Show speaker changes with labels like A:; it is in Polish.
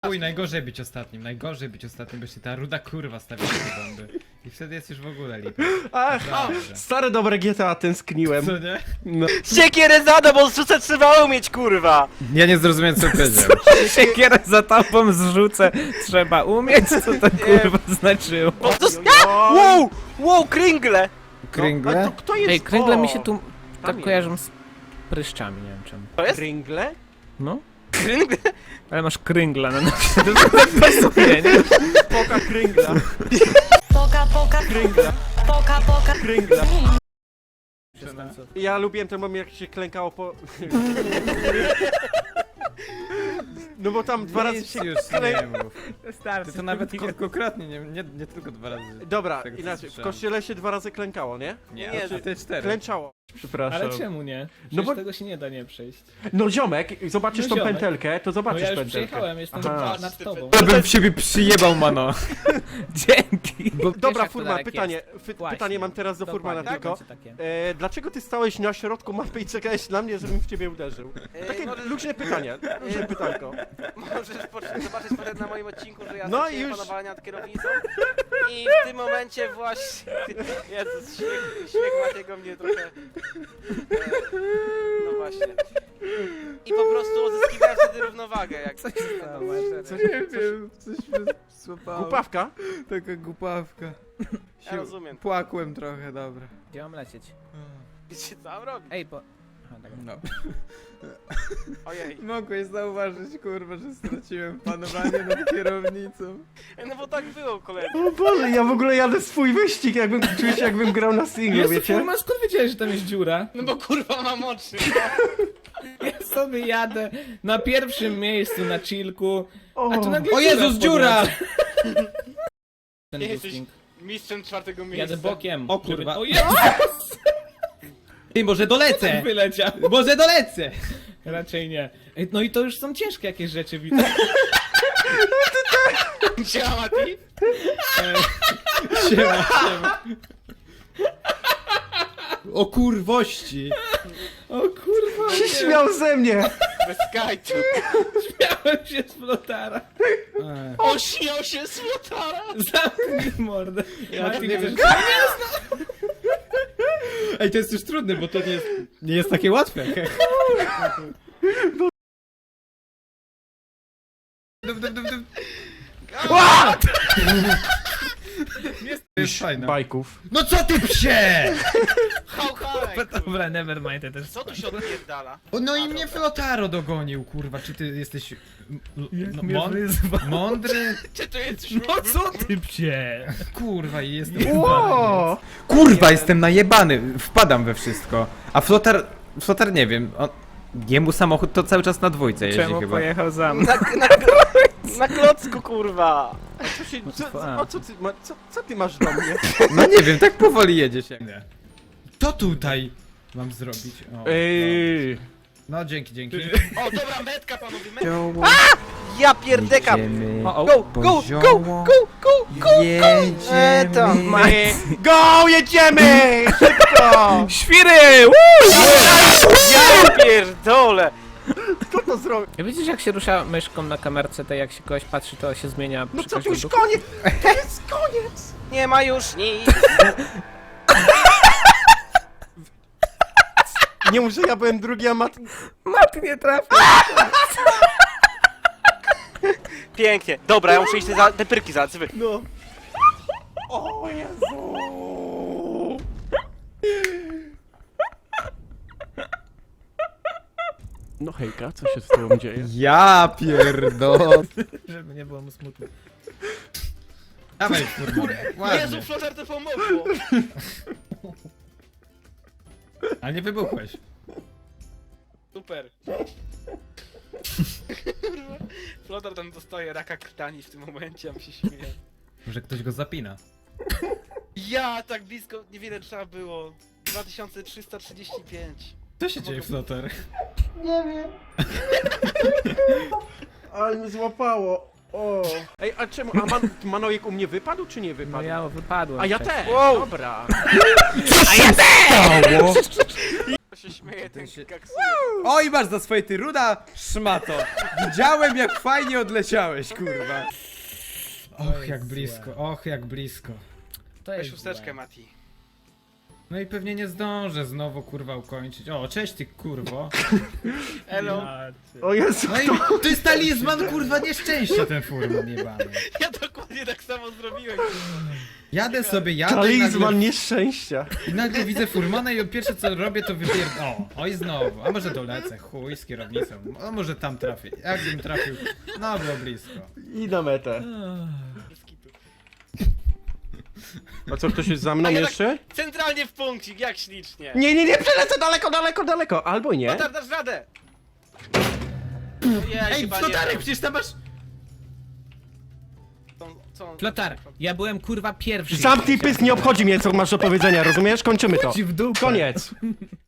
A: Uj, najgorzej być ostatnim, bo się ta ruda kurwa stawia te bomby. I wtedy jest już w ogóle lipa.
B: Ach,
A: Dobrze.
B: stare dobre GTA tęskniłem.
A: Co nie?
B: No.
C: Siekierę zada, bo zrzucać trzeba umieć, kurwa!
A: Ja nie zrozumiałem co powiedział.
D: Siekierę za tobą zrzucę, trzeba umieć, co to kurwa znaczyło.
C: Po prostu... Wow! Wow, kringle!
A: Kringle?
B: A to kto jest?
D: Ej, kręgle
B: O,
D: mi się tu tak
B: tam
D: kojarzą z pryszczami, nie wiem czemu.
C: To jest?
B: Kringle?
D: No?
C: Kringle?
D: Ale masz kringla na nosie, to tak pasuje, nie?
B: Poka kringla.
E: Poka, poka,
B: Kringla.
E: poka, poka.
B: Kringla. Ja lubiłem ten moment, jak się klękało po... No bo tam dwa razy się
A: już nie mów.
D: Starczy.
A: Ty to nawet kilkukrotnie, nie tylko 2 razy.
B: Dobra,
A: Tego
B: inaczej, w
A: słyszałem.
B: kościele się 2 razy klękało, nie?
A: Nie,
C: Nie,
A: a ty 4.
B: Klęczało. Przepraszam.
D: Ale czemu nie? Przecież
B: No bo-
D: tego się nie da nie przejść.
B: No ziomek, zobaczysz
D: No
B: tą
D: ziomek.
B: pętelkę, to
D: No
B: zobaczysz
D: ja już
B: pętelkę.
D: przejechałem, jestem
B: Aha.
D: nad tobą.
A: Ja bym w siebie przyjebał, mano.
D: Dzięki.
B: Dobra,
D: jak
B: Furman,
D: to
B: pytanie,
D: Właśnie.
B: pytanie mam teraz do Furmana
D: Dokładnie,
B: tylko.
D: tak, będzie takie.
B: Dlaczego ty stałeś na środku mapy i czekałeś na mnie, żebym w ciebie uderzył? Takie luźne pytanie, luźne pytanko.
C: Możesz zobaczyć potem na moim odcinku, że ja
B: No
C: straciłem
B: już.
C: panowanie nad kierownicą i w tym momencie właśnie... Jezus, śmiech Matiego mnie trochę... No właśnie. I po prostu uzyskiwałem wtedy równowagę, jak... Co się stało?
A: Nie wiem, coś mnie złapało.
B: Głupawka?
A: Taka głupawka.
C: Ja rozumiem.
A: Płakłem trochę, dobra.
D: Gdzie mam lecieć?
C: Wiecie co mam robić?
D: Ej, bo... Aha, tak.
A: No.
C: Ojej.
A: Mogłeś zauważyć, kurwa, że straciłem panowanie nad kierownicą.
C: No bo tak było, koledzy.
B: O Boże, ja w ogóle jadę swój wyścig, czuję się jakbym grał na singlu, wiecie?
D: Furman, skąd wiedziałeś, że tam jest dziura?
C: No bo kurwa mam oczy.
D: Ja sobie jadę na pierwszym miejscu na chillku, a tu nagle
A: O Jezus, dziura!
D: Ten
C: Nie jesteś
D: boosting.
C: mistrzem 4. miejsca.
D: Jadę bokiem.
A: O kurwa.
D: Żeby... O Jezus!
A: Ty, może dolecę!
D: Wyleciał.
A: Może dolecę!
D: Raczej nie. Ej, no i to już są ciężkie jakieś rzeczy, widzę.
C: Siema, Mati.
A: Siema. O kurwości!
D: O kurwa,
B: Się śmiał ze mnie!
C: Bez skajtu.
D: śmiałem się z flotara.
C: On śmiał się z Flotara.
D: Zamknij mordę. Mati,
A: nie
D: chcesz...
A: wiem. Ej, to jest już trudne, bo to nie jest takie łatwe. Jest fajne.
B: Bajków.
A: No co ty psie!
C: Hał, hałek.
D: Dobra, nevermind, ja też.
C: Co tu się odpierdala?
A: O, no i mnie Flotaro dogonił, kurwa, czy ty jesteś no,
D: mnie wyzwał.
A: mądry?
C: Czy to jest
D: No co ty psie?
A: Kurwa, i jestem
B: Ło!
A: Kurwa, jestem najebany, wpadam we wszystko. A Flotar nie wiem, jemu samochód to cały czas na dwójce jeździ
D: Czemu
A: chyba.
D: pojechał za mną?
C: Na klocku, kurwa.
B: Co ty masz do mnie?
A: No nie wiem, tak powoli jedzie się. To tutaj mam zrobić. O,
B: Ej,
A: no dzięki.
C: O, dobra, metka, panowie, metka.
A: Zioło,
C: Ja pierdekam.
A: jedziemy,
D: O, o.
C: Go, go, go, go, go, go.
A: jedziemy.
B: Go, jedziemy! Szybko!
D: Świry!
C: Ja pierdolę.
B: Kto to zrobił?
D: Widzisz jak się rusza myszką na kamerce, to jak się kogoś patrzy, to się zmienia
B: No
D: przy
B: co, to
D: każdym
B: już
D: ruchu?
B: koniec! To jest koniec!
C: Nie ma już nic.
B: Nie muszę, ja byłem drugi, a
D: Mat nie trafił!
C: Pięknie. Dobra, ja muszę iść te pyrki załatwić.
B: No. O Jezu! No hejka, co się z tobą dzieje?
A: Ja pierdol.
D: Żeby nie było mu smutno.
A: Dawaj, kurwa.
C: Jezu,
A: Ładnie.
C: Flotar to pomogło.
A: A nie wybuchłeś.
C: Super. Flotar tam dostaje raka krtani w tym momencie, a mi się śmieje.
A: Może ktoś go zapina.
C: Ja, tak blisko, niewiele trzeba było. 2335.
A: Co się dzieje, Flotar?
B: Ale mnie złapało. O. Ej, a czemu? A Manojek u mnie wypadł, czy nie
D: No
B: wypadł?
D: ja wypadłem.
B: A ja
D: wcześniej.
B: też!
C: Wow.
B: Dobra.
A: Stało?
C: się śmieje, ten
A: się-
C: kaksuje.
A: Oj, masz za swoje ty ruda szmato! Widziałem jak fajnie odleciałeś, kurwa.
D: Och, jak blisko, och, jak blisko. To
C: Weź
D: jest
C: chusteczkę,
D: złe.
C: Mati.
D: No i pewnie nie zdążę znowu, kurwa, ukończyć. O, cześć ty, kurwo.
C: Elo.
B: O Jezu,
D: No i to jest talizman, kurwa, nieszczęścia, ten furman jebany.
C: Ja dokładnie tak samo zrobiłem.
D: Jadę sobie, jadę
B: talizman nieszczęścia.
D: i nagle widzę furmana i pierwsze co robię to oj znowu, a może dolecę, chuj z kierownicą, a może tam trafię. Jakbym trafił, no było blisko.
B: I na metę. A co, ktoś jest za mną
C: A ja
B: jeszcze?
C: Centralnie w punkcik, jak ślicznie.
B: Nie, przelecę daleko, albo nie.
C: Flotar, dasz radę! Ja
D: Ej,
C: chyba
D: flotarek,
C: nie.
D: przecież tam masz...
C: Co on-
D: Flotar, ja byłem kurwa pierwszy.
B: Zamknij pysk, nie obchodzi mnie co masz do powiedzenia, rozumiesz? Kończymy to.
D: Ci w dupę.
B: Koniec.